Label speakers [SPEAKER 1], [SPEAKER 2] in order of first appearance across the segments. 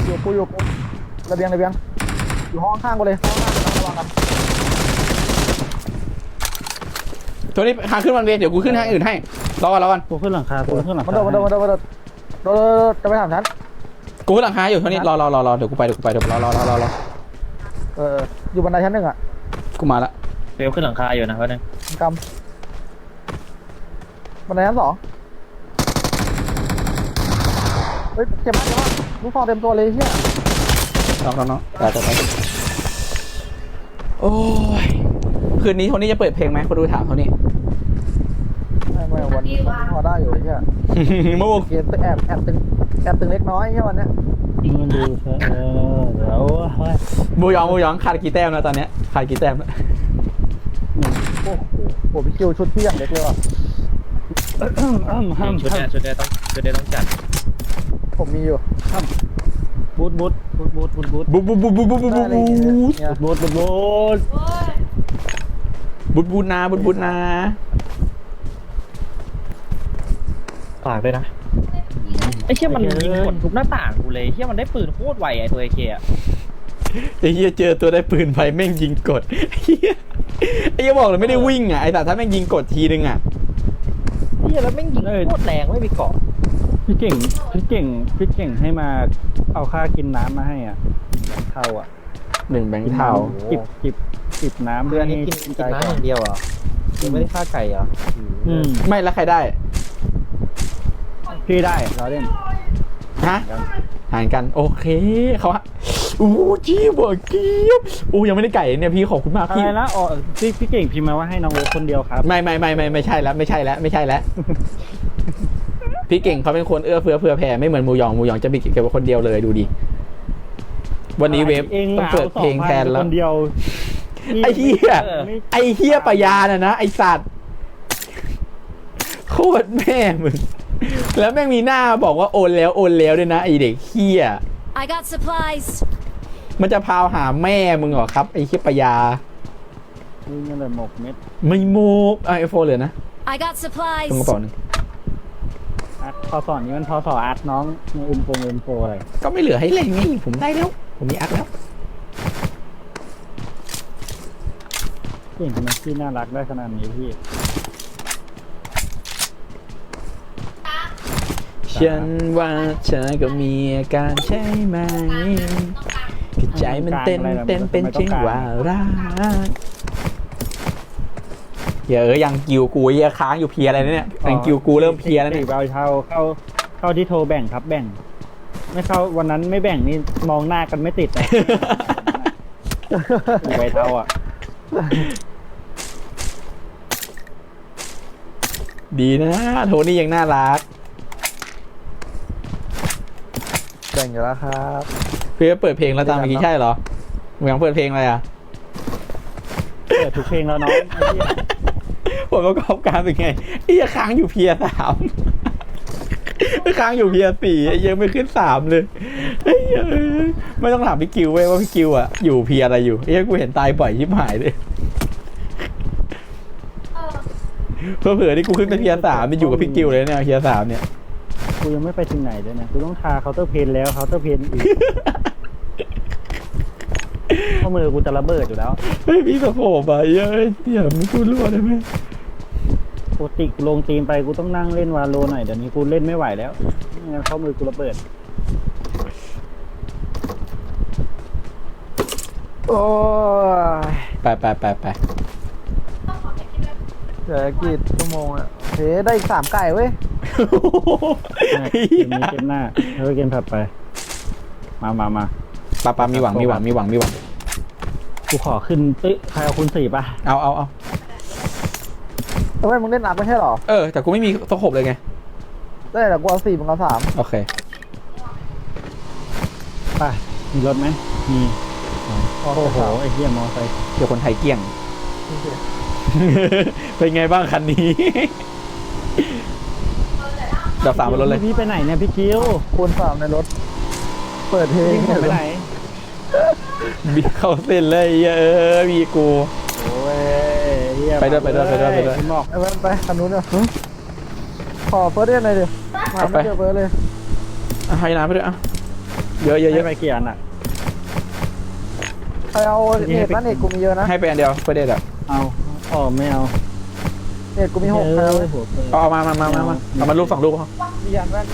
[SPEAKER 1] อยู่ระเบียงอยู่ห้องข้างกูเลยห้องข้างระวังกัน
[SPEAKER 2] ตัวนี้ทางขึ้นวันเวย์เดี๋ยวกูขึ้นทางอื่นให้รอก่อน
[SPEAKER 3] กูขึ้นหลังคากูขึ้นหลังคา
[SPEAKER 1] มันโดนจะไปถามฉัน
[SPEAKER 2] กูขึ้นหลังคาอยู่ตัวนี้รอเดี๋ยวกูไปเดี๋ยวรอ
[SPEAKER 1] อยู่บันไดชั้น1อ่ะ
[SPEAKER 2] กูมาละ
[SPEAKER 3] เฟลขึ้นหลังคาอยู่นะวันนึง
[SPEAKER 1] กำบันไดชั้น2เฮ้ยเจ็บมากลูกฟองเต็มตัวเลยเฮีย
[SPEAKER 2] น้องแต่โอ้ยคืนนี้โทนี่จะเปิดเพลงไหมคนดูถามเขานี่
[SPEAKER 1] ไม่วันนี้พอได้อยู่เฮีย
[SPEAKER 2] เมื่อวาน
[SPEAKER 1] เกมแอบตึงเล็กน้อยเฮียวันนี้
[SPEAKER 3] มันดูเดี๋ยว
[SPEAKER 2] มูยองขาดกี่แต้มแล้วตอนเนี้ยขาดกี่แต้มแล้ว
[SPEAKER 1] โอ้โหพี่คิวชุดพี่อย่างเล็กเลยว่ะ
[SPEAKER 3] ชุดนี้ต้องจัด
[SPEAKER 1] ผมมีอยู่
[SPEAKER 3] บูท
[SPEAKER 2] นะ
[SPEAKER 3] ฝากด้วยนะไอ้เชี่ยมันยิงหมดทุกหน้าต่างกูเลยเชี่ยมันได้ปืนโคตรไวไอ้ตัวไอ้เคีย
[SPEAKER 2] ไอ้เหี้ยเจอตัวได้ปืนไฟแม่งยิงกดไอ้เหี้ยบอกเลยไม่ได้วิ่งอ่ะไอ้แต่ถ้าแม่งยิงกดทีนึงอ่ะ
[SPEAKER 3] เชี่ยแล้วแม่งยิงโคตรแรงไม่มีเกาะพี่เก่งให้มาเอาค่ากินน้ำมาให้อ่ะเท่าอ่ะ
[SPEAKER 2] 1 แบงค์เท่า
[SPEAKER 3] จิบน้ำเดือนนี้กินน้ำอย่างเดียวอ่ะยังไม่ได้ค่าไก่เหรอ
[SPEAKER 2] ไม่แล้วใครได้
[SPEAKER 3] พี่ได้เราเล่น
[SPEAKER 2] ฮะหารกันโอเคเขาฮะจี้บอกกี้ยังไม่ได้ไก่เนี่ยพี่ขอบคุณมากพี่
[SPEAKER 3] อะไรนะอ๋อพี่เก่งพิมพ์มาว่าให้น้องโอ๊ตคนเดียวครับ
[SPEAKER 2] ไม่ใช่แล้วพี่เก่งเขาเป็นคนเอื้อเฟื้อแผ่ไม่เหมือนมูยองจะมีเก็บไว้คนเดียวเลยดูดิวันนี้เวฟต้องเปิดเพลงแทนแล้ว
[SPEAKER 3] คนเดียว
[SPEAKER 2] ไอ้เหี้ยปะยาน่ะนะไอ้สัตว์โคตรแม่มึงแล้วแม่งมีหน้าบอกว่าโอนแล้วด้วยนะไอเด็กเหี้ย
[SPEAKER 4] I got supplies
[SPEAKER 2] มันจะพาวหาแม่มึงเหรอครับไอ้เหี้ยปะยา
[SPEAKER 3] มึงนั่นแหละหมกเม็ด
[SPEAKER 2] ไม่โมกไอโฟนเลยนะ
[SPEAKER 4] I got supplies
[SPEAKER 2] ตรงกระเป๋านึง
[SPEAKER 3] พอสอนนี้มันพอสอนอาร์ตน้องในอินโฟอะไร
[SPEAKER 2] ก็ไม่เหลือให้เล่นไงผมได้แล้วผมมีอาร์ตแล้ว
[SPEAKER 3] เก่งทำไมพี่น่ารักได้ขนาดนี้พี่
[SPEAKER 2] ฉันว่าเธอก็มีอาการใช่ไหมที่ใจมันเต้นเป็นเช่นว่ารักยังกิวกูค้างอยู่เพียอะไรเนี่ยยังกิวกูเริ่มเพียแล้วเนี่ย
[SPEAKER 3] เข้าที่โทรแบ่งครับแบ่งไม่เข้าวันนั้นไม่แบ่งนี่มองหน้ากันไม่ติดเลยใบเท่าอ่ะ
[SPEAKER 2] ดีนะโทนี่ยังน่ารัก
[SPEAKER 1] แบ่งอยู่แล้วครับ
[SPEAKER 2] เพื่อเปิดเพลงแล้วตามเมื่อกี้ใช่เหรอมึงยังเปิดเพลงอะไรอ่ะ
[SPEAKER 3] เปิดทุกเพลงแล้วน้อง
[SPEAKER 2] ผลประกอบการเป็นไงค้างอยู่เพีย3ค้างอยู่เพีย4ยังไม่ขึ้น3เลยไม่ต้องถามพี่กิวเว้ยว่าพี่กิวอ่ะอยู่เพียอะไรอยู่กูเห็นตายบ่อยชิบหายเลยเผื่อที่กูขึ้นไปเพีย3มันอยู่กับพี่กิวเลยเนี่ยเพีย3เนี่ย
[SPEAKER 3] กูยังไม่ไปถึงไหนเลยนะกูต้องทาเคาน์เตอร์เพนแล้วเคาน์เตอร์เพนอีกข้อมือกูจะระเบิดอยู่แล้ว
[SPEAKER 2] พี่สะโพกไปเดี๋ยวมึงกูรั่วได้ไหม
[SPEAKER 3] ปกติลงตีมไปกูต้องนั่งเล่นวาโลหน่อยเดี๋ยวนี้กูเล่นไม่ไหวแล้วงั้นข้อมือกูระเบิด
[SPEAKER 1] โอ้
[SPEAKER 2] ไป
[SPEAKER 1] เดี๋ยวกี่ชั่วโมงอ่ะโอเคได้อีก3 ไก่เว้ย
[SPEAKER 3] เกมหน้าเกมถัดไปมา
[SPEAKER 2] ปามีหวัง
[SPEAKER 3] กูขอขึ้นใครเอาคุณ4ป่ะ
[SPEAKER 2] เอา
[SPEAKER 1] ทำไมมึงเล่นนับไม่ใช่หรอ
[SPEAKER 2] แต่กูไม่มีตะขบเลยไง
[SPEAKER 1] ได้แต่กูเอา4มึงเอา3
[SPEAKER 2] โอเค
[SPEAKER 3] ไปมีรถไหมมีโอ้โหไอ้เหี้ยมอไซค์
[SPEAKER 2] เดี๋ยวคนไทยเกี้ยงเป็นไงบ้างคันนี้ดับ3บนรถเลย
[SPEAKER 3] พี่ไปไหนเนี่ยพี่คิว
[SPEAKER 1] คูณ3ในรถเปิดเพลง
[SPEAKER 3] ไปไหน
[SPEAKER 2] บีเข้าเส้นเลยมีกู
[SPEAKER 1] โอ้ย
[SPEAKER 2] ไปด้วยไป
[SPEAKER 1] คันนู้นเนี่ยขอเฟิร์สเรียนหน่อยดิมาไม่เจอเฟิร์สเลย
[SPEAKER 2] ให้น้ำไปด้วยเยอะเยอะเย
[SPEAKER 3] ให้
[SPEAKER 2] อะ
[SPEAKER 3] ไปกี่อันอ่ะ
[SPEAKER 1] ใครเอาเน็ตนะเน็ตกูมีเยอะนะ
[SPEAKER 2] ให้ไปอันเดียวเพื่อเด็ดอ่ะ
[SPEAKER 3] เอาอ๋อไม่เอา
[SPEAKER 1] เน็ตกูมี6ใครเอาเลย
[SPEAKER 3] หัวเปิด
[SPEAKER 2] เอามาเอามาลูก2 ลูกพอ
[SPEAKER 1] มียันแว่น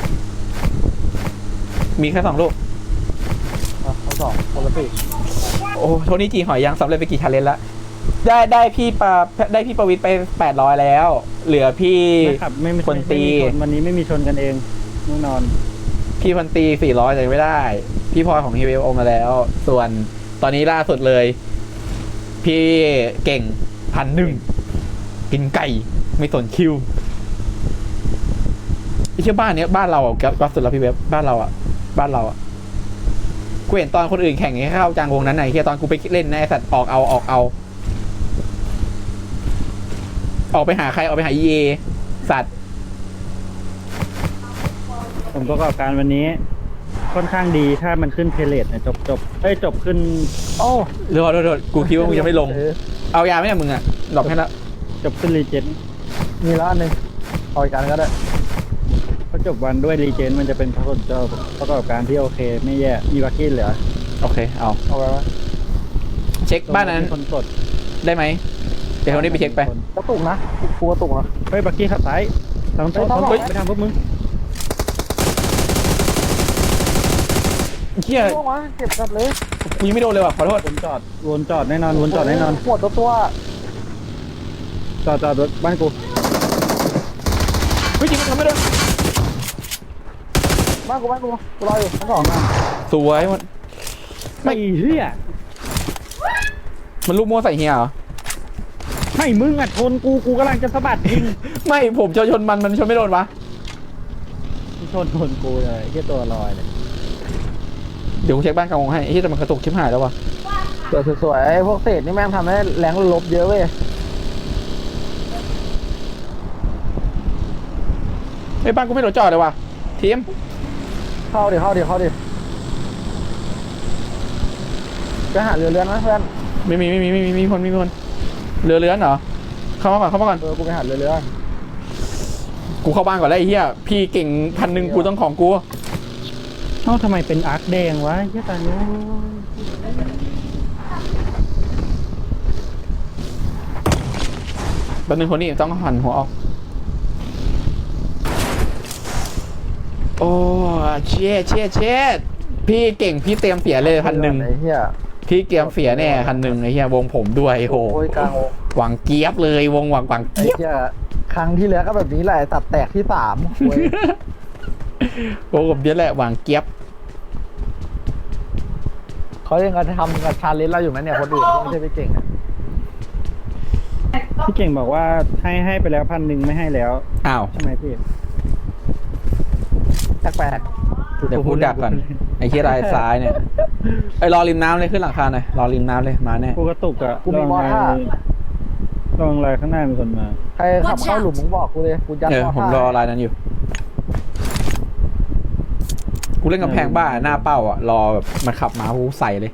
[SPEAKER 2] มีแค่2 ลูก
[SPEAKER 1] เอา2คนละสี่
[SPEAKER 2] โอ้โทนี่จีหอยยังสำเร็จไปกี่ชาเลนจ์ละได้พี่ประวิตรไป800แล้ว เหลือพี่
[SPEAKER 3] ไม่ขับไม่มี
[SPEAKER 2] คนตี
[SPEAKER 3] ไม่มีชนวันนี้ไม่มีชนกันเองแน่นอน
[SPEAKER 2] พี่พันตี400แต่ไม่ได้ พี่พลอยของฮีเวลโอมาแล้ว ส่วนตอนนี้ล่าสุดเลย พี่เก่ง1,001กินไก่ไม่สนคิวไอ้เชื่อบ้านเนี้ยบ้านเราอ่ะแก๊ปสุดแล้วพี่เว็บบ้านเราอ่ะกูเห็นตอนคนอื่นแข่งให้เข้ากลางวงนั้นไหนเฮียตอนกูไปเล่นในะไอ้สัตว์ออกไปหาใครออกไปหาเอสัตว์
[SPEAKER 3] ผมประกอบการวันนี้ ค่อนข้างดีถ้ามันขึ้นเพลทเนี่ยจบขึ้น
[SPEAKER 1] โอ้
[SPEAKER 2] เดี๋ยวกูคิดว่ามึงจะไม่ลง เอายาไหมเนี่ยมึงอ่ะดอกให้แล้ว
[SPEAKER 3] จบขึ้นรีเจน
[SPEAKER 1] มีแล้วอันหนึงเอาอีกอันก็ได้
[SPEAKER 3] พอจบวันด้วยรีเจนมันจะเป็นประกอบการที่โอเค ไม่แย่มีบัคกี้เหลือ
[SPEAKER 2] โอเคเอา
[SPEAKER 1] เอาไว้ไหม
[SPEAKER 2] เช็คบ้านนั้น
[SPEAKER 3] มีคนกด
[SPEAKER 2] ได้ไหมเดี๋ยวคนนี้ไปเช็คไป
[SPEAKER 1] กระตุกนะกูกระตุกนะ
[SPEAKER 3] เฮ้ยบัคกี้ขับซ้ายทางต้น
[SPEAKER 1] เฮ้ย
[SPEAKER 3] ไปทางพวกมึง
[SPEAKER 2] เฮีย
[SPEAKER 1] ล่วงวะเจ็บจัดเลย
[SPEAKER 2] กูยังไม่โดนเลยว่ะขอโทษ
[SPEAKER 3] วนจอดแน่นอนวนจอดแน่นอน
[SPEAKER 1] ปวดตัว
[SPEAKER 3] จอดรถบ้านกู
[SPEAKER 2] เฮ้ยจริงมันทำไม่โดน
[SPEAKER 1] บ้านกูรออยู่ทั้งสองอ่ะ
[SPEAKER 2] สวยมัน
[SPEAKER 3] ไม่เหี้ย
[SPEAKER 2] มันลูกมัวใส่เฮียเหรอ
[SPEAKER 3] ไม่มึงอ่ะชนกูกำลังจะสะบัดยิง
[SPEAKER 2] ไม่ผมจะชนมันชนไม่โดนวะ
[SPEAKER 3] ชนกูเลยแค่ตัวลอยเลย
[SPEAKER 2] เดี๋ยวกูเช็คบ้านกลางวงให้ไอ้ที่แต่มันกระตุกชิบหายแล้ววะ
[SPEAKER 1] สวยๆไอ้พวกเศษนี่แม่งทำให้แรงลบเยอะเว้ย
[SPEAKER 2] ไอ้บ้านกูไม่โดนจอดเลยว่ะทีม
[SPEAKER 1] เข้าดิไปหาเรือเรือนนะเพื่อน
[SPEAKER 2] ไม่มีคนเรือเรือนเหรอเข้ามาก่อน
[SPEAKER 1] กูไปหาเรือเรือน
[SPEAKER 2] กูเข้าบ้านก่อนแล้วไอ้เหี้ยพี่เก่ง1,000กูต้องของกู
[SPEAKER 3] เอ้าทำไมเป็นอาร์คแดงวะเหี้ยตายแล้ว
[SPEAKER 2] แป๊บนึงคนนี้ต้องหันหัวออกโอ้เช็ดพี่เก่งพี่เตรียมเสียเลย1,001
[SPEAKER 1] ไอ้เหี้ย
[SPEAKER 2] พี่เตรียมเสียแน่1,001ไอ้เหี้ยวงผมด้วยโอ้โห
[SPEAKER 1] โอ้ยกลางวง
[SPEAKER 2] หวังเกียบเลยวงหวัง
[SPEAKER 1] ไอ้
[SPEAKER 2] เกียบ
[SPEAKER 1] เหี้ยครั้งที่แล้วก็แบบนี้แหละตัดแตกที่3เว้ย
[SPEAKER 2] โอ้ผมเยอะแหละหวังเกียบ
[SPEAKER 1] เขายังจะทำกับชาเลนจ์เราอยู่ไหมเนี่ยคนอื่นไม่ใช่ไปเก่งอะ
[SPEAKER 3] พี่เก่งบอกว่าให้ไปแล้ว1,000ไม่ให้แล้ว
[SPEAKER 2] อ้าว
[SPEAKER 3] ใช่ไหมพี่
[SPEAKER 1] แปลก
[SPEAKER 2] เดี๋ยวพูดดักก่อนไอ้ที่รายซ้ายเนี่ยไอ้รอริมน้ำเลยขึ้นหลังคาหน่อยรอริมน้ำเลยมาแน่
[SPEAKER 3] กูกระตุกอะลองลายข้างหน้ามีคนมา
[SPEAKER 1] ๆใครขับเข้าหลุมมึงบอกกูเลยกูยัด
[SPEAKER 2] ผมรอรายนั้นอยู่กูเล่นกับแพงบ้าหน้าเป้าอ่ะรอแบบมันขับมากูใส่เลย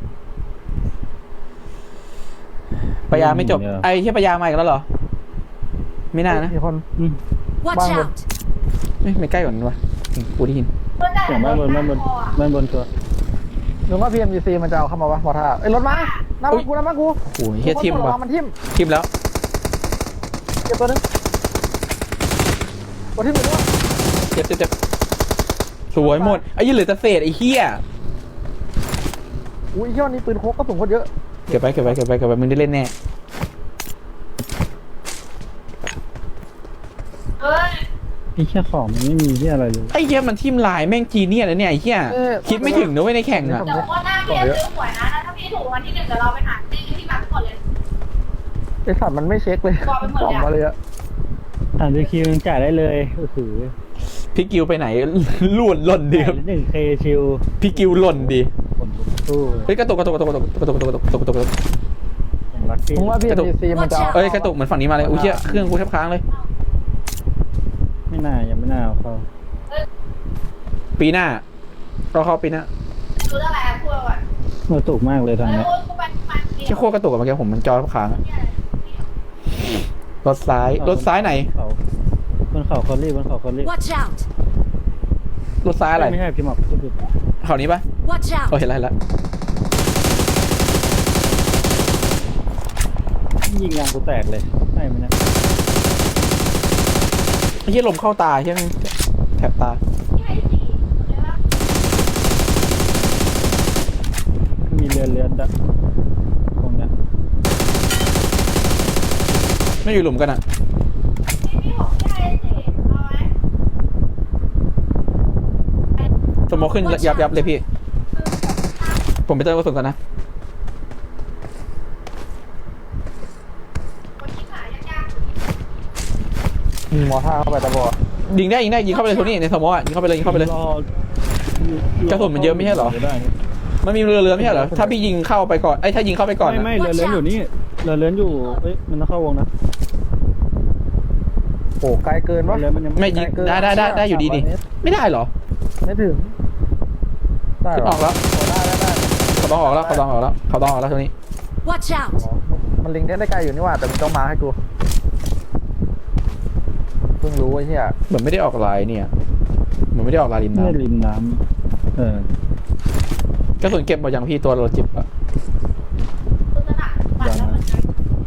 [SPEAKER 2] ปยาไม่จบไอ้ที่ปยามาอีกแล้วเหรอไม่น่านะ
[SPEAKER 1] มีคน
[SPEAKER 4] Watch
[SPEAKER 1] Bang.
[SPEAKER 4] out!
[SPEAKER 2] ไม่ใกล้กว่านั้นวะกูได้ยิน
[SPEAKER 3] เสียงบ้านบนตัว
[SPEAKER 1] นึกว่า PMGC มันจะเอาเข้ามาวะมอท่าเอ้ยรถมาหน้า
[SPEAKER 2] อุ๊
[SPEAKER 1] มาย กู
[SPEAKER 2] โอ้ยเฮียทิม
[SPEAKER 1] ระ
[SPEAKER 2] วะ
[SPEAKER 1] วังมันทิม
[SPEAKER 2] ทิมแล้ว
[SPEAKER 1] เก็บตัวนึงตัวทิมอยู่ด้วย
[SPEAKER 2] เจ็บสวยหมดไอ้ยี่เหลือแต่เศษไอ้เฮีย
[SPEAKER 1] อุ้ยเที่ยวนี้ปืนโคกกระสุนโคตรเยอะ
[SPEAKER 2] เก็บไปมึงได้เล่นแน่
[SPEAKER 3] ไอ้แค่ของมันไม่มีที่อะไรเลย
[SPEAKER 2] ไอ้เฮียมันทิมลายแม่งจีเนียสนะเนี่ยไอ้เฮียคิดไม่ถึงนะเว้ยในแข่งอ่ะ
[SPEAKER 5] เดี๋ยววันหน้าพี่จะซื้อหวยนะถ้าพี่ถูกวันที่1เดี๋ยวเราไปหาที่มาทั้งหมดเลย
[SPEAKER 1] ไอสัตว์มันไม่เช็คเลย
[SPEAKER 5] บอกไปหมด
[SPEAKER 1] กล่อง
[SPEAKER 5] เลยอะ
[SPEAKER 1] มาเลยอะ
[SPEAKER 3] 3 คิวยังจ่ายได้เลยโอ้โห
[SPEAKER 2] พี่กิวไปไหนหล่นดิครับ
[SPEAKER 3] 1K ชิว
[SPEAKER 2] พี่กิวหล่นดิ
[SPEAKER 3] ผมสู้
[SPEAKER 2] เฮ้ยกระตุก
[SPEAKER 3] ผมรักพี่
[SPEAKER 1] มึงว่า PMGC มันจะเอา
[SPEAKER 2] เอ้ยกระตุกเหมือนฝั่งนี้มาเลยอุ้ยเชี่ยเครื่องกูแทบค้างเลย
[SPEAKER 3] ยังไม่น่าเอาเขา
[SPEAKER 2] ปีหน้าเราเข้าปีหน้า
[SPEAKER 5] รู้อะไรอ่ะพูดก่อน
[SPEAKER 3] กระตุกมากเลยทางเนี้ย
[SPEAKER 5] กูไปมัน
[SPEAKER 2] เชี่ยโคตรกระตุกอะเมื่อกี้ผมมันจอแทบค้างอะรถซ้ายไหน
[SPEAKER 3] บนเขาคอลลี่
[SPEAKER 4] Watch out!
[SPEAKER 2] รถซ้ายอะไร
[SPEAKER 3] ไม่ใช่พี่หมอก
[SPEAKER 2] เขานี้ปะ
[SPEAKER 4] Watch
[SPEAKER 2] โอ้
[SPEAKER 4] out!
[SPEAKER 2] เห็นแล้วเห็นแล้ว
[SPEAKER 3] ยิงยางกูแตกเลยใช่ไหมเนี่ย
[SPEAKER 2] ไอ้เหี้ยลมเข้าตาใช่ไหมแถบตา
[SPEAKER 5] ที่ให้สีเลยว่า
[SPEAKER 3] มีเรือนๆตรงเนี้ย
[SPEAKER 2] ไม่อยู่หลุมกันอ่ะ
[SPEAKER 5] พี่ผมที่ให้สีเอาไหม
[SPEAKER 2] สโมกขึ้นยับเลยพี่ ผมไปเติมกระสุนก่อนนะ
[SPEAKER 5] คนที่ขายยาก
[SPEAKER 1] ยิงมอท่าเข้าไปตะบอ
[SPEAKER 2] ยิงได้ยิงเข้าไปเลยโทนี่ในสโมกอ่ะยิงเข้าไปเลยยิงเข้าไปเลย กระสุนมันเยอะไม่ใช่เหรอ
[SPEAKER 3] ได้นี่
[SPEAKER 2] มันมีเรือไม่ใช่เหรอถ้าพี่ยิงเข้าไปก่อนไอ้ยถ้ายิงเข้าไปก่อน
[SPEAKER 3] ไม่
[SPEAKER 2] อะ
[SPEAKER 3] เรือนอยู่นี่เรือนอยู่เอ้ยมันต้องเข้าวงนะ
[SPEAKER 1] โอ้ไกลเกินวะ
[SPEAKER 3] เรือนมันยัง
[SPEAKER 2] ไม่ยิงได้อยู่ดีดิไม่ได้เหรอ
[SPEAKER 1] ไม่ถึงได้
[SPEAKER 2] ขึ้น
[SPEAKER 1] เหร
[SPEAKER 2] ออกแล้ว
[SPEAKER 1] โอ้ได้
[SPEAKER 2] เขาต้องออกแล้วโทนี่
[SPEAKER 4] Watch out!
[SPEAKER 1] อ๋อมันลิงได้ไกลอยู่นี่หว่าแต่มึงต้องมาให้กูเพิ่งรู้ไอ้เหี้ย
[SPEAKER 2] เหมือนไม่ได้ออกลายเนี่ยเหมือนไม่ได้ออกลายริม
[SPEAKER 3] ไม่
[SPEAKER 2] น้ำ
[SPEAKER 3] ริมน้ำ
[SPEAKER 2] กระสุนเก็บหมดยังพี่ตัวเราจิบอะ
[SPEAKER 5] ๆตัวหนักปัดแล้วมันจะ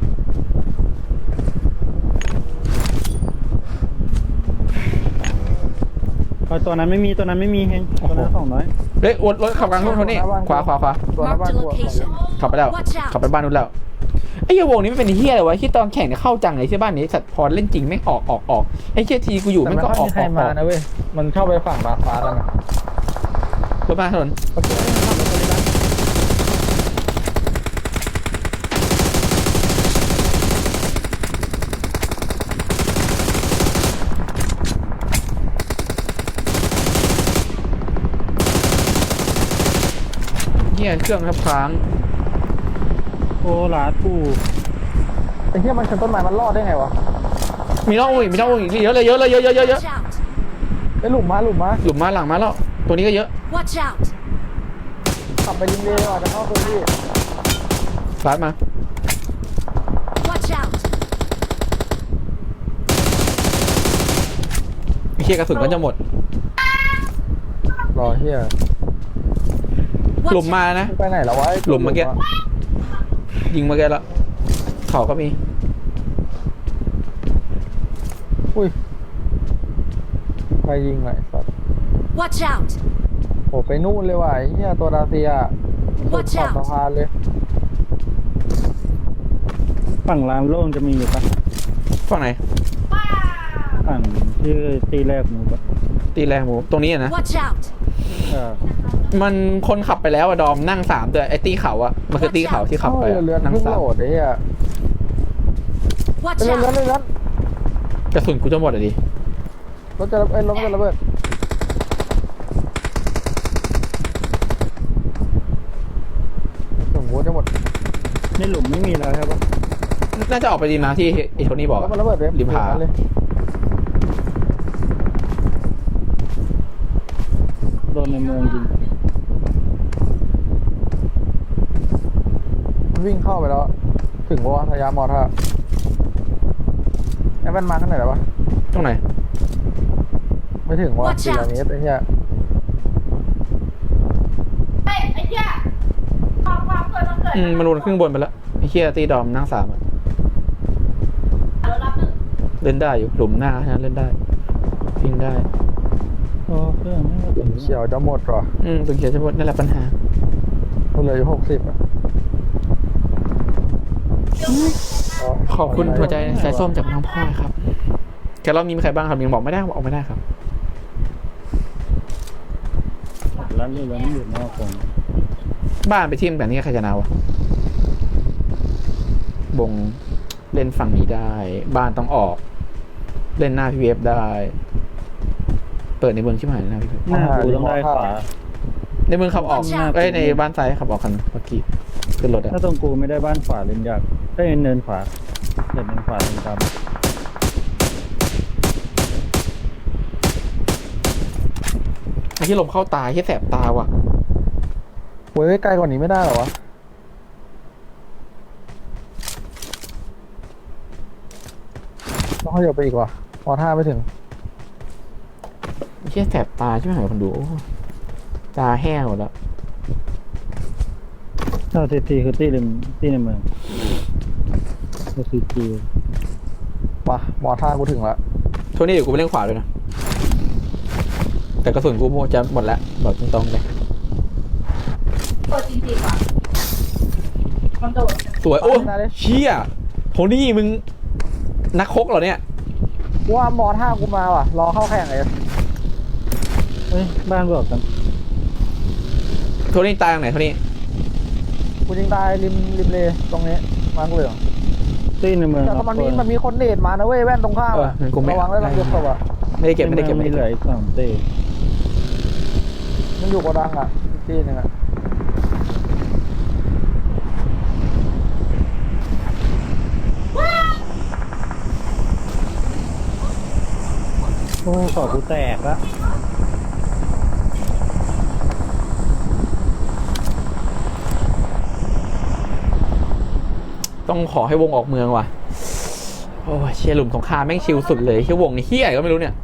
[SPEAKER 3] ตัวนั้นไม่มีเฮงตัวนั้น200
[SPEAKER 2] เฮ้ยรถขับกลางทุ่งโทนี่ขวา
[SPEAKER 1] ตัวหน้าบ้าน
[SPEAKER 4] Marked a
[SPEAKER 1] กูอะ
[SPEAKER 4] location.
[SPEAKER 2] ขับไปแล้ว
[SPEAKER 4] Watch out
[SPEAKER 2] ขับไปบ้านนู้นแล้วไอ้เหี้ยวงนี้ไม่เป็นเหี้ยเลยวะที่ตอนแข่งเนี่ยเข้าจังเลยที่บ้านนี้สัตว์พอเล่นจริงไม่ออกไอ้เหี้ยทีกูอยู่
[SPEAKER 1] แต่
[SPEAKER 2] มัน
[SPEAKER 1] ไม่
[SPEAKER 2] ก็
[SPEAKER 1] ค่อยมีใครมานะเว้ยมันเข้าไปฝั่งดาดฟ้าแล้วนะ
[SPEAKER 2] รถมาถนน
[SPEAKER 1] โอเคไม่ทำรถเลยนะ
[SPEAKER 2] เหี้ยเครื่องครับค้าง
[SPEAKER 3] โอ้ลาดกู
[SPEAKER 1] ไอ้เหี้ยมันชนต้นไม้มันรอดได้ไงวะ
[SPEAKER 2] มีน้องอีกเยอะเลย
[SPEAKER 4] Watch out!
[SPEAKER 1] ไอ้หลุมมา
[SPEAKER 2] หลุมมาหลังมาแล้วตัวนี้ก็เยอะ
[SPEAKER 4] Watch out!
[SPEAKER 1] ขับไปริมเลยว่ะจะเข้าพื้นที่
[SPEAKER 2] รัดมา
[SPEAKER 4] Watch out!
[SPEAKER 2] ไอ้เหี้ยกระสุนก็จะหมด
[SPEAKER 1] รอเหี้ย
[SPEAKER 2] หลุม
[SPEAKER 4] Watch
[SPEAKER 2] มานะ
[SPEAKER 1] ไปไหนแล้ววะไอ้
[SPEAKER 2] หลุมเมื่อกี้ ยิงมาแกแล้วเขาก็มี
[SPEAKER 1] อุ้ยไปยิงไหนสัตว์
[SPEAKER 4] Watch out!
[SPEAKER 1] โอ้ไปนู่นเลยว่ะไอ้เหี้ยตัวดาเซียสุด
[SPEAKER 4] Watch
[SPEAKER 1] ขอบ
[SPEAKER 4] out
[SPEAKER 1] สะพานเลย
[SPEAKER 3] ฝั่งลานโล่งจะมีอยู่ปะ
[SPEAKER 2] ฝั่งไหน
[SPEAKER 3] ฝั่งที่ตีแรกหมูปะ
[SPEAKER 2] ตีแรงหมูตรงนี้อะนะ
[SPEAKER 4] Watch out!
[SPEAKER 2] มันคนขับไปแล้วอะดอมนั่ง3ตัวไอ้ตีเขาอะมันคือตีเขาที่ขับไปอะ
[SPEAKER 1] เรือ
[SPEAKER 2] นั่ง
[SPEAKER 1] เพิ่ง
[SPEAKER 2] สาม
[SPEAKER 1] โหลดไอ้เหี้ย
[SPEAKER 4] Watch
[SPEAKER 1] เรือ
[SPEAKER 4] out!
[SPEAKER 2] กระสุนกูจะหมดอะดิ
[SPEAKER 1] รถจะรถมันจะระเบิดสมมติจะหมด
[SPEAKER 3] ในหลุมไม่มีแล้วใช่ปะ
[SPEAKER 2] น่าจะออกไปดีนะที่ไอ้โทนี่บอก
[SPEAKER 1] รถ
[SPEAKER 2] อะ
[SPEAKER 1] มันระเบิดเว็บ
[SPEAKER 2] ริมผา
[SPEAKER 1] เลย
[SPEAKER 3] โดนในเมืองยิง
[SPEAKER 1] มันวิ่งเข้าไปแล้ว ถึงว่าทยามอท่าไอ้แว่นมาข้างไหนแล้ววะ
[SPEAKER 2] ตรงไหน
[SPEAKER 1] ไม่ถึงว่า
[SPEAKER 4] Watch
[SPEAKER 1] 400 เมตรไอ้เหี้ย
[SPEAKER 5] เฮ้ยไอ้เหี้ยความเกิดมันเกิด
[SPEAKER 2] มันวนขึ้นบนไปแล้วไอ้เหี้ยตีดอมนั่ง3อะ
[SPEAKER 5] เรารับหนึ่ง
[SPEAKER 2] เล่นได้อยู่หลุมหน้านะเล่นได้ยิงได้
[SPEAKER 3] โอ้เครื่องไม่ถึง
[SPEAKER 1] เฉียวจะหมดเหรอ
[SPEAKER 2] ตัวเขียวจะหมดนั่นแหละปัญหา
[SPEAKER 1] มันเหลืออยู่60อ่ะ
[SPEAKER 2] ขอบคุณหัวใจสายส้มจากน้องพ่อครับแกรอบนี้มีใครบ้างครับยังบอกไม่ได้บอกไม่ได้ครับ
[SPEAKER 3] ร้านเรือมันอยู่นอกวง
[SPEAKER 2] บ้านไปทีมแบบนี้ใครจะนาวะบงเล่นฝั่งนี้ได้ บ้านต้องออก เล่นหน้าพีเอฟได้ เปิดในเมืองชิบหายเลยนะพี่
[SPEAKER 3] หน้ากูต้องได้ขวา
[SPEAKER 2] ในเมืองขับออกในบ้านซ้ายขับออกกันเมื่อกี้ขึ้นรถอะ
[SPEAKER 3] ถ้าตรงกูไม่ได้บ้านขวาเล่นยากได้เนินขวาเดินขวาเดินตาม
[SPEAKER 2] ไอ้ที่ลมเข้าตาที่แสบตาว่ะ
[SPEAKER 1] เว้ยไกลกว่านี้ไม่ได้เหรอวะ ต้องขยับไปอีกว่ะมอท่าไม่ถึง
[SPEAKER 2] ไอ้ที่แสบตาใช่ไหมคนดูโอ้ตาแห้งหมดแล้ว
[SPEAKER 3] ถ้าทีคือตีในเมืองก็คือจี
[SPEAKER 1] มาหมอท่ากูถึงแล้ว
[SPEAKER 2] โทนี่เดี๋ยวกูไปเล่นขวาด้วยนะแต่กระสุนกูจะหมดแล้วบอกตรงๆเลย
[SPEAKER 5] เปิดจริงๆว่ะมันโดด
[SPEAKER 2] สวยโอ้เชี่ยโทนี่มึงนักคกเหรอเนี่ย
[SPEAKER 1] กูว่าหมอท่ากูมาว่ะรอเข้าแข่งเลย
[SPEAKER 3] เฮ้ยบ้านบอกกัน
[SPEAKER 2] โทนี่ตายตรงไหนโทนี่
[SPEAKER 1] กูยิงตายริมเลตรงนี้มากูเหลือง
[SPEAKER 3] ตีในเมือง
[SPEAKER 1] แต่มันมีคนเดทมานะเว้ยแว่นตรงข้ามอะ
[SPEAKER 2] กูไม่
[SPEAKER 1] ระวังแล้วเราเก็บศพอ่ะ
[SPEAKER 2] ไม่ได้เก็บไม่ได้เก็บ
[SPEAKER 3] ไม่เหลืออีก2ตี
[SPEAKER 1] มันอยู่โกดังอ่ะอีกที่หนึงอ่ะ
[SPEAKER 3] โอ้ขอกูแตกละ
[SPEAKER 2] ต้องขอให้วงออกเมืองว่ะโอ้ยเชียร์หลุมสงครามแม่งชิลสุดเลยเชียร์วงนี่เฮี้ยก็ไม่รู้เนี่ย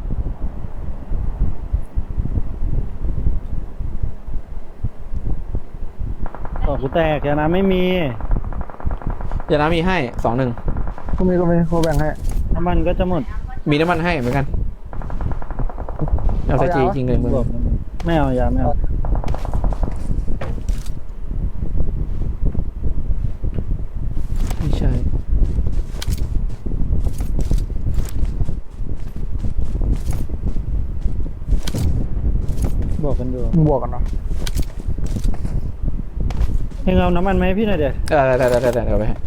[SPEAKER 3] ขอกูแตกยานะไม่มี
[SPEAKER 2] อย่านะมีให้2-1
[SPEAKER 1] กูมีกูแบ่งให้
[SPEAKER 3] น้ำมันก็จะหมด
[SPEAKER 2] มีน้ำมันให้เหมือนกันเอาใส่จีจริงเลยมึง
[SPEAKER 3] บอกมันไม่เอายาไม่เอา
[SPEAKER 2] ไม่ใช่
[SPEAKER 3] บอกกันดู
[SPEAKER 1] มึงบวกกันเนาะ
[SPEAKER 3] ให้เอาน้ำมันไหมาให้พี่หน่อยเดี๋ยว
[SPEAKER 2] ได้เอาไปให้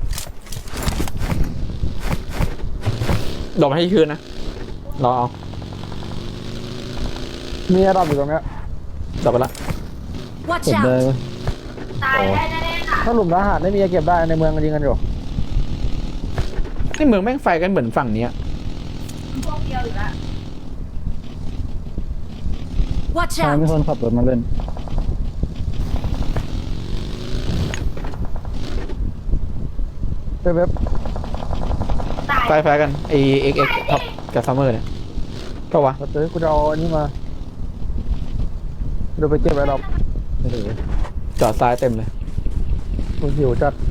[SPEAKER 2] ดอกมาให้คืนนะรอเอา
[SPEAKER 1] มีระดับอยู่ตรงเนี้ย
[SPEAKER 2] ดอกไปละ
[SPEAKER 4] Watch
[SPEAKER 3] กดได้
[SPEAKER 4] out!
[SPEAKER 3] ปะ
[SPEAKER 5] ตายได้แน่ๆค่ะ
[SPEAKER 1] ถ้าหลุมทหารไม่มีเก็บได้ในเมืองกันยิงกันอยู่
[SPEAKER 2] นี่เมืองแม่งไฟกันเหมือนฝั่งเนี้ย
[SPEAKER 5] พวกเดียวอยู่ละ
[SPEAKER 4] Watch
[SPEAKER 3] ทางมี
[SPEAKER 4] out!
[SPEAKER 3] คนขับรถมาเล่น
[SPEAKER 1] เว็บ
[SPEAKER 5] ตาย
[SPEAKER 2] ไฟกันไอเอ็กท็อปกับซัมเมอร์เนี่ยก็วะ
[SPEAKER 1] เดี๋ยวกูจะเอาอันนี้มาเดี๋ยวไปเก็บไว้รอบ
[SPEAKER 3] ไม่ถือ
[SPEAKER 2] จอดซ้ายเต็มเลย
[SPEAKER 1] กูหิวจัด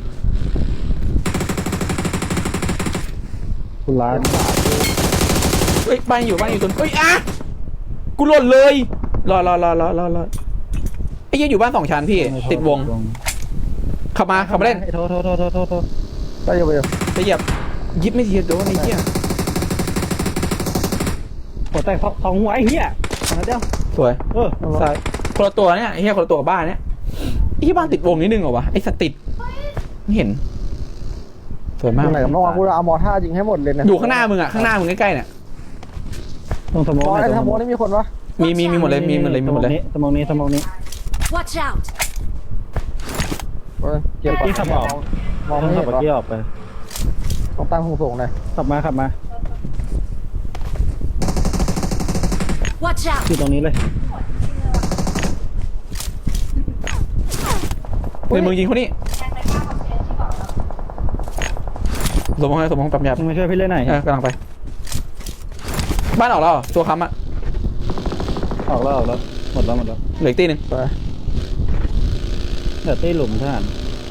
[SPEAKER 3] คุณร้าน
[SPEAKER 2] เฮ้ยบ้านอยู่ตัวเฮ้ยอ่ะกูหล่นเลยรอไอ้เหี้ยอยู่บ้าน2 ชั้นพี่ติดวงขับมาเล่น
[SPEAKER 3] โทษ
[SPEAKER 1] ได้อยู่ไปอยู่
[SPEAKER 2] จะเหยียบยิบไม่ทีโดนไอ้เหี้ย
[SPEAKER 3] หัวแตกสองหัวไอ้เหี้ยมาเดียว
[SPEAKER 2] สวย
[SPEAKER 3] เออ
[SPEAKER 2] ซ้ายคนละตัวเนี่ยไอ้เหี้ยคนละตัวกับบ้านเนี่ยไอ้ที่บ้านติดวงนิดนึงเหรอวะไอ้สติดไม่เห็นสวยมาก
[SPEAKER 1] ไหนกับน้องกูจะเอามอท่ายิงให้หมดเลยเนี่ย
[SPEAKER 2] อยู่ข้างหน้ามึงข้างหน้ามึงใกล้ๆเนี่ย
[SPEAKER 3] ต้องสมอง
[SPEAKER 1] ไอ้ทางโมนี่มีคนปะ
[SPEAKER 2] มีหมดเลยมีหมดเลย
[SPEAKER 3] สมองนี้
[SPEAKER 4] Watch out!
[SPEAKER 1] เก็บ
[SPEAKER 3] ที่ขับออก
[SPEAKER 1] มอง
[SPEAKER 3] ต้
[SPEAKER 1] ไม่
[SPEAKER 3] องขั
[SPEAKER 1] เห็
[SPEAKER 3] บ
[SPEAKER 1] น
[SPEAKER 3] เมื่อกี้ออกไป
[SPEAKER 1] ต้องตั้งสูงๆหน่อย
[SPEAKER 3] ขับมา
[SPEAKER 4] Watch out!
[SPEAKER 3] อยู่ตรงนี้เลย
[SPEAKER 2] ในมึงยิงคนนี้
[SPEAKER 5] แทนไปข้าวคอนเทนต์ที่บอกเรา
[SPEAKER 2] สมองปั๊มยา
[SPEAKER 3] มึงมาช่วยพี่เล่นหน่อย
[SPEAKER 2] กำลังไป บ้านออกแล้วตัวค้ำอ่ะ
[SPEAKER 3] ออกแล้วหมดแล้ว
[SPEAKER 2] เหลืออีกตีหนึ่ง
[SPEAKER 1] ไป
[SPEAKER 3] เดี๋ยวตีหลุมทหาร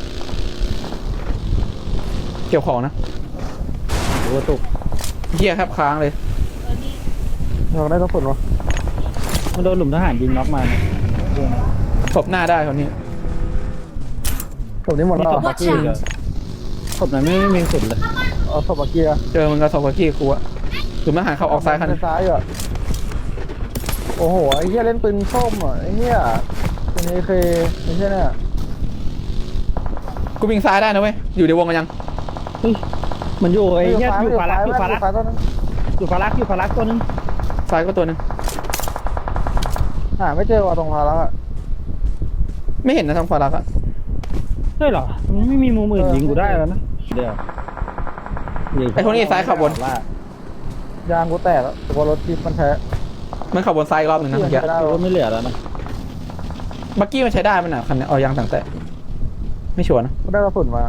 [SPEAKER 2] เกี่ยวของนะ
[SPEAKER 3] หรือว่าตุก
[SPEAKER 2] เหี้ยครับค้างเลย
[SPEAKER 1] เราได้ต้องสุดวะ
[SPEAKER 3] มันโดนหลุมทหารยิงน็อกมาเนี่ย
[SPEAKER 2] ศพหน้าได้คนนี้
[SPEAKER 1] ผมนี้หมดแล้ว
[SPEAKER 3] บักกี้เหรอศพนั้นไม่มีสุดเลย
[SPEAKER 1] เอาศพเกียร์
[SPEAKER 2] เจอมึงกับศพกับกี้กูอะหรือมันหายเข้าออกซ้ายคัน
[SPEAKER 1] ซ้ายอ่ะโอ้โหไอ้เหี้ยเล่นปืนส้มอ่ะไอ้เหี้ยเป็นเอเคไอ้เหี้ยเนี่ย
[SPEAKER 2] กูวิ่งซ้ายได้นะเว้ยอยู่ในวงกันยัง
[SPEAKER 3] เฮ้ยมันอยู่ไอ้เหี้ยอยู่ฟารัก
[SPEAKER 1] ซ้ายต้นนั้น
[SPEAKER 3] อยู่ฟารักตัวนึง
[SPEAKER 2] ซ้ายก็ตัวหนึง
[SPEAKER 1] หาไม่เจอว่ะตรงพาแล้วอ่ะ
[SPEAKER 2] ไม่เห็นนะทางฟารักอะ
[SPEAKER 3] ใช่เหรอมันไม่มีมุมอื่นยิงกูได้แล้วนะเดี๋ยว
[SPEAKER 2] ไอ้คนนี้ซ้ายขับบน
[SPEAKER 1] ยางกูแตกแล้วตัวรถที่มันแท้
[SPEAKER 2] มันขับบนซ้ายอีกรอบหนึ่งนะเมื่อกี้
[SPEAKER 1] ไม่ได้
[SPEAKER 3] รถไม่เหลือแล้วนะ
[SPEAKER 2] บักกี้มันใช้ได้มันอ่ะคันนี้เอายางต่างแต่ไม่ชัวร์นะ
[SPEAKER 1] กูได้กระสุนมา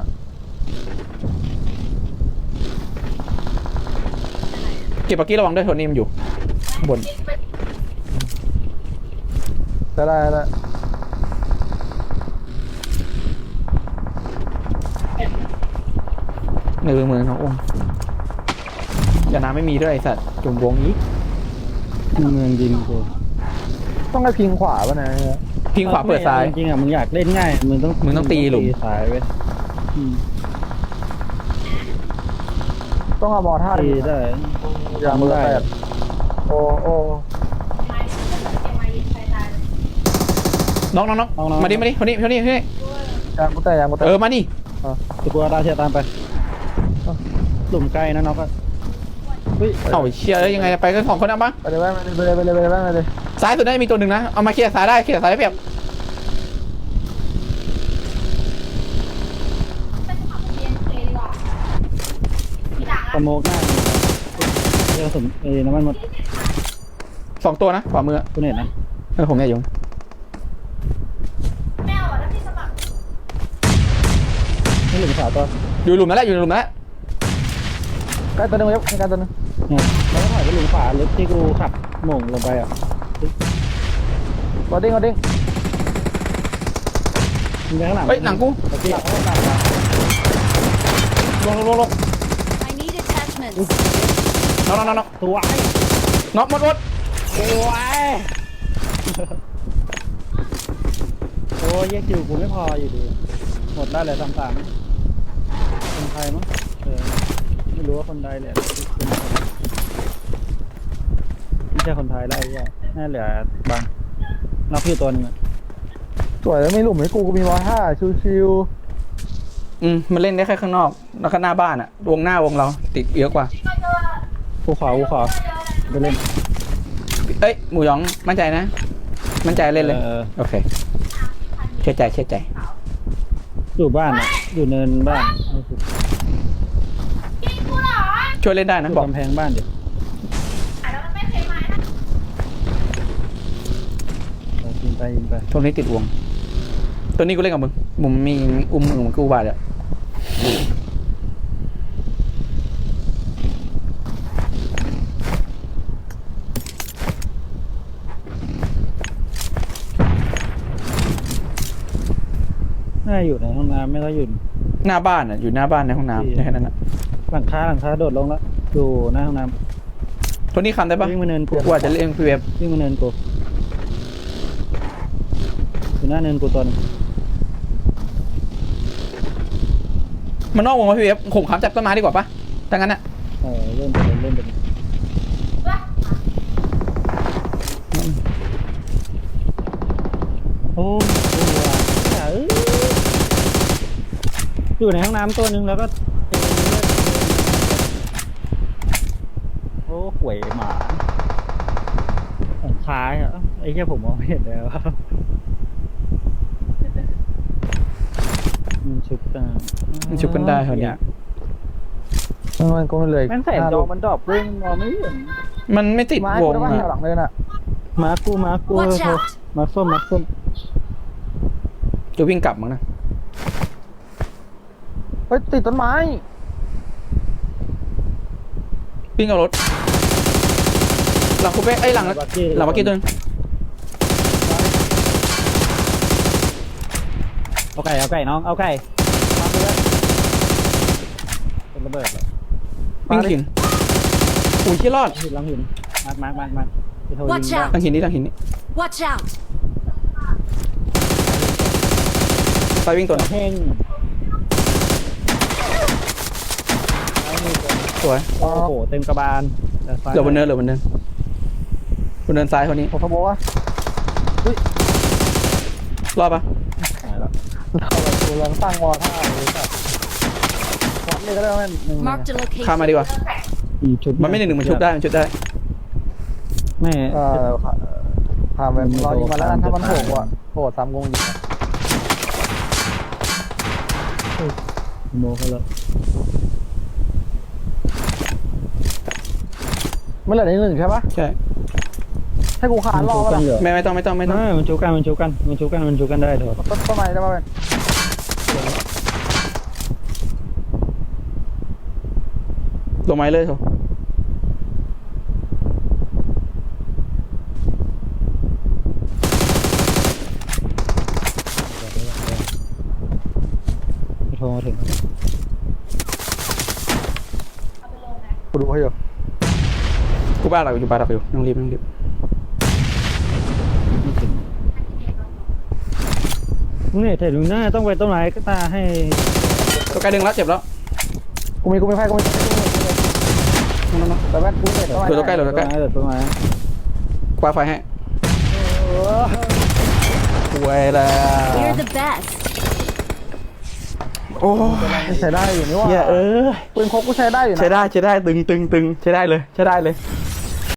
[SPEAKER 2] เก็บบักกี้ระวังด้วยโทนี่มันอยู่ข้างบน
[SPEAKER 1] ได้
[SPEAKER 2] นึงน้ององค์อย่าน้ำไม่มีด้วยไอ้สัตว์จุ่มวงอีก
[SPEAKER 3] เมืองยิงกู
[SPEAKER 1] ต้องให้พิงขวาป่ะนะ
[SPEAKER 2] พิงขวาเปิดซ้าย
[SPEAKER 3] จริงๆอ่ะมึงอยากเล่นง่ายมึงต้อง
[SPEAKER 2] ตีหลุม
[SPEAKER 3] ซ้ายเว้ย
[SPEAKER 1] ต้องเอาบอลท่า
[SPEAKER 3] ตีได้
[SPEAKER 1] ยามือแตกโอ้โอ้
[SPEAKER 2] น้องมาดิคนนี้
[SPEAKER 1] ยางกูแตกยางกูแตก
[SPEAKER 2] มาดิ
[SPEAKER 3] ตะกัวดาเชียตามไปหลุมใกล้นะน้องก็เฮ้ย
[SPEAKER 2] เอ้าเชียร์แล้วยังไงไปกัน2 คนเอาบ้าง
[SPEAKER 1] ไปเลยไปเลยไปเลยไปเลยไปเลยไปเลย
[SPEAKER 2] ซ้ายสุดน่าจะมีตัวหนึ่งนะเอามาเคลียร์ซ้ายได้เคลียร์ซ้ายได้เปรียบ
[SPEAKER 3] สโมกหน้าเจอสมน้ำมันหมด
[SPEAKER 2] 2 ตัวนะขวามือ
[SPEAKER 3] คุณเห็นนะ
[SPEAKER 2] ผมเนี่ยอยู่
[SPEAKER 3] นี่หลุมขาวตัว
[SPEAKER 2] อยู่หลุมนั่นแหละอยู่หลุมนั่นแหละ
[SPEAKER 1] ใกล้ตัวนึงเว็บใกล้ตัวนึง
[SPEAKER 3] เนี่ยแล้วก็ถอยไปหลุมขวาลึกที่กูขับโหม่งลงไปอ่ะ
[SPEAKER 1] กดดิ้ง
[SPEAKER 3] มึงไปข้างหลัง
[SPEAKER 2] เฮ้ยหลังกู
[SPEAKER 3] ตะกี้
[SPEAKER 2] ลง
[SPEAKER 4] I need attachments.
[SPEAKER 2] น็อก
[SPEAKER 3] ตัวไอ้
[SPEAKER 2] น็อกหมด
[SPEAKER 3] ตัวไอ้โอ้ยแยกคิวกูไม่พออยู่ดีหมดได้เลย3-3คนไทยมั้งไม่รู้ว่าคนใดเลยไม่ใช่คนไทยแล้วไอ้เหี้ยน่าเหลือบางนับอยู่ตัวหนึงอ่ะ
[SPEAKER 1] สวยแล้วไม่หลุมให้กูมีบอลท่าชิว
[SPEAKER 2] มันเล่นได้แค่ข้างนอกแล้วก็หน้าบ้านอะวงหน้าวงเราติดเยอะกว่า
[SPEAKER 3] กูขอไปเล่น
[SPEAKER 2] เอ้ยหมูหยองมั่นใจนะมั่นใจเล่นเลยโอเคเชื่อใจ
[SPEAKER 3] อยู่บ้านอ่ะอยู่เนินบ้าน
[SPEAKER 2] ช่วยเล่นได้นะบอก
[SPEAKER 3] กำแพงบ้านเดี๋ยวยิงไป
[SPEAKER 2] ตรงนี้ติดวงตัวนี้กูเล่นกับมึงมุมมีอุ้มมือมึงกูบาดอะ
[SPEAKER 3] น่าอยู่ในห้องน้ำไม่ต้องอยู่
[SPEAKER 2] หน้าบ้านอะอยู่หน้าบ้านในห้องน้ำแค่นั้นนะ
[SPEAKER 3] หลังคาโดดลงแล้วอยู่หน้าห้องน้
[SPEAKER 2] ตัวนี้คำได้
[SPEAKER 3] ำ
[SPEAKER 2] ปะ
[SPEAKER 3] วิ่งมาเนินกู
[SPEAKER 2] กูอาจจะเล่นพีเวฟ
[SPEAKER 3] วิ่งมาเนินกูอยู่หน้าเนินกูตัวนึง
[SPEAKER 2] มันนอกวงมาพีเวฟข่มขามจับต้นไม้ดีกว่าปะถ้างั้นอะ
[SPEAKER 3] เล่นไปโอ้ยอยู่ในห้องน้ำตัวนึงแล้วก็โอ้หวยหมาของคล้ายอ่ะไอ้แค่ผมมองไม่เห็นแล้วมันชุบกัน
[SPEAKER 2] มันชุบกันได้เท่านี้
[SPEAKER 1] มันก็ไม่เลย
[SPEAKER 3] แม่งใส่จอมันดรอปเร่งมองไม่เห็น
[SPEAKER 2] มันไม่ติด
[SPEAKER 1] ไม้
[SPEAKER 2] ว
[SPEAKER 1] กู
[SPEAKER 2] ง
[SPEAKER 1] ได้บ้าง
[SPEAKER 2] อะ
[SPEAKER 1] หลังเลยน่ะ
[SPEAKER 3] มากู
[SPEAKER 4] Watch out
[SPEAKER 3] มาส้ม
[SPEAKER 2] จะวิ่งกลับมั้งนะ
[SPEAKER 1] เฮ้ยติดต้นไม้
[SPEAKER 2] วิ่งเอารถหลังคูเป้หลังบักกี้ตัวนึง
[SPEAKER 3] เอาไก่น้องเอาไก่เป็นระเบิดเลย
[SPEAKER 2] วิ่งหินอุ้ยที่รอด
[SPEAKER 3] หินลังหินมาร์คไปโทรยิง
[SPEAKER 4] Watch
[SPEAKER 3] ได้
[SPEAKER 4] out
[SPEAKER 2] ทางหินนี่
[SPEAKER 4] Watch out.
[SPEAKER 2] ไปวิ่งตัวนึง
[SPEAKER 3] เพ่ง
[SPEAKER 2] สวย
[SPEAKER 3] โอ้โหเต็มกระบาล
[SPEAKER 2] เหลือบนเนินบนเนินซ้ายคนนี้
[SPEAKER 1] ผมขโมยวะ
[SPEAKER 2] รอดปะ
[SPEAKER 3] หายแล้ว
[SPEAKER 1] เราแบบกูกำลังตั้งวอลท่าเลยสัตว์วัดเลยก็ได้แม่หนึ่ง
[SPEAKER 4] Marked a
[SPEAKER 2] ข้าม
[SPEAKER 4] location.
[SPEAKER 2] มาดีกว่า
[SPEAKER 3] ชุบ
[SPEAKER 2] มันไม่หนึ่งมันชุบได้
[SPEAKER 3] ไม่
[SPEAKER 1] ผ่านไปรอยิงมาแล้วกันถ้ามันโผล่อะโผล่ซ้ำกงยิง
[SPEAKER 3] โมเขาแล้ว
[SPEAKER 1] ไม่เหลือในหนึ่งใช่ปะ
[SPEAKER 2] ใช่
[SPEAKER 1] ให้กูขาดรอป่ะล่ะ
[SPEAKER 2] ไม่ต้อง
[SPEAKER 3] มันชุบกันได้เถอะ
[SPEAKER 1] ต้นไม้ได้ป่ะเป็น
[SPEAKER 2] ลงไม้เลยเถอะ
[SPEAKER 3] โทรมาถึง
[SPEAKER 1] ดูให้อยู่
[SPEAKER 2] กูบ้าเราอยู่บ้าเราอยู่ต้องรีบต้องรีบ
[SPEAKER 3] ไม่ถึงเนี่ยแต่ลุงหน้าต้องไปต้นไม้ก็ตาให้
[SPEAKER 2] ตัวใกล้ดึงแล้วเจ็บแล้ว
[SPEAKER 1] กูมีไฟกูมี
[SPEAKER 2] นั่น
[SPEAKER 1] แต่แม่กูเห็น
[SPEAKER 2] เหลือตัวใกล้เหลือตัวใกล้
[SPEAKER 3] ต้นไม้
[SPEAKER 2] คว้าไฟให้ป่วยแล้ว
[SPEAKER 4] We're the best.
[SPEAKER 2] โอ้
[SPEAKER 1] ใช้ได้อยู่นี่ว่า
[SPEAKER 2] เหี้ย
[SPEAKER 1] ปืนพกกูใช้ได้อยู่นะ
[SPEAKER 2] ใช้ได้ตึงใช้ได้เลยใช้ได้เลย